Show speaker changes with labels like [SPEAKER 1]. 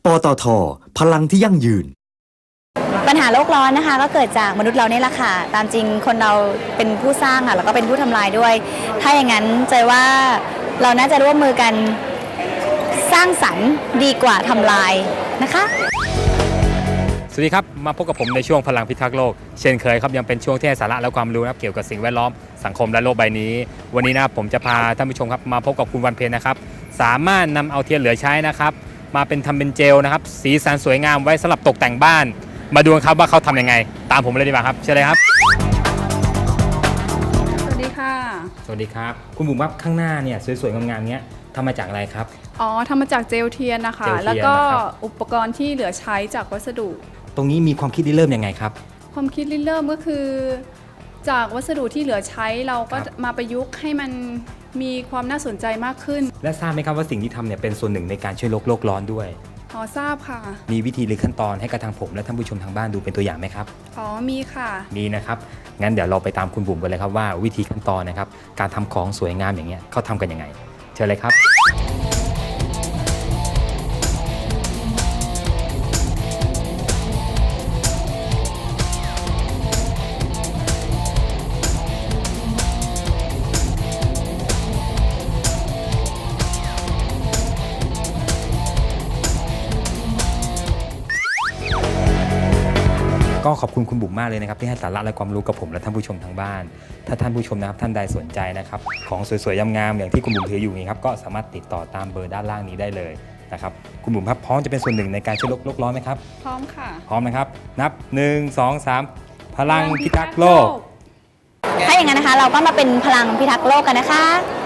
[SPEAKER 1] ตท.พลังที่ยั่งยืน
[SPEAKER 2] ปัญหาโลกร้อนนะคะก็เกิดจากมนุษย์เราเนี่ยแหละค่ะตามจริงคนเราเป็นผู้สร้างค่ะแล้วก็เป็นผู้ทำลายด้วยถ้าอย่างนั้นใจว่าเราน่าจะร่วมมือกันสร้างสรรค์ดีกว่าทำลายนะคะ
[SPEAKER 3] สวัสดีครับมาพบกับผมในช่วงพลังพิทักษ์โลกเช่นเคยครับยังเป็นช่วงที่ให้สาระและความรู้นะครับเกี่ยวกับสิ่งแวดล้อมสังคมและโลกใบนี้วันนี้นะครับผมจะพาท่านผู้ชมครับมาพบกับคุณวันเพ็ญนะครับสามารถนำเอาเทียนเหลือใช้นะครับมาทำเป็นเจลนะครับสีสันสวยงามไว้สำหรับตกแต่งบ้านมาดูกันครับว่าเขาทำยังไงตามผมเลยดีกว่าครับเชิญเลยครับ
[SPEAKER 4] สวัสดีค่ะ
[SPEAKER 3] สวัสดีครับคุณบุ๋มครับข้างหน้าเนี่ยสวยๆงามๆเนี้ยทำมาจากอะไรครับ
[SPEAKER 4] อ๋อทำมาจากเจลเทียนนะคะแล้วก็อุปกรณ์ที่เหลือใช้จากวัสดุ
[SPEAKER 3] ตรงนี้มีความคิดริเริ่มยังไงครับ
[SPEAKER 4] ความคิดริเริ่มก็คือจากวัสดุที่เหลือใช้เราก็มาประยุกต์ให้มันมีความน่าสนใจมากขึ้น
[SPEAKER 3] และทราบไหมครับว่าสิ่งที่ทำเนี่ยเป็นส่วนหนึ่งในการช่วยโลกร้อนด้วย
[SPEAKER 4] อ๋อทราบค่ะ
[SPEAKER 3] มีวิธีหรือขั้นตอนให้กับทางผมและท่านผู้ชมทางบ้านดูเป็นตัวอย่างไหมครับ
[SPEAKER 4] อ๋อมีค่ะ
[SPEAKER 3] มีนะครับงั้นเดี๋ยวเราไปตามคุณบุ๋มกันเลยครับว่าวิธีขั้นตอนนะครับการทำของสวยงามอย่างเงี้ยเขาทำกันยังไงเชิญเลยครับก็ขอบคุณคุณบุ๋มมากเลยนะครับที่ให้สาระและความรู้กับผมและท่านผู้ชมทางบ้านถ้าท่านผู้ชมนะครับท่านใดสนใจนะครับของสวยๆงามๆอย่างที่คุณบุ๋มถืออยู่นี้ครับก็สามารถติดต่อตามเบอร์ด้านล่างนี้ได้เลยนะครับคุณบุ๋มครับพร้อมจะเป็นส่วนหนึ่งในการช่วยโลกร้อนไหมครับ
[SPEAKER 4] พร้อมค่ะ
[SPEAKER 3] พร้อมนะครับนับ1 2 3พลังพิทักษ์โลก
[SPEAKER 2] ถ้าอย่างนั้นนะคะเราก็มาเป็นพลังพิทักษ์โลกกันนะคะ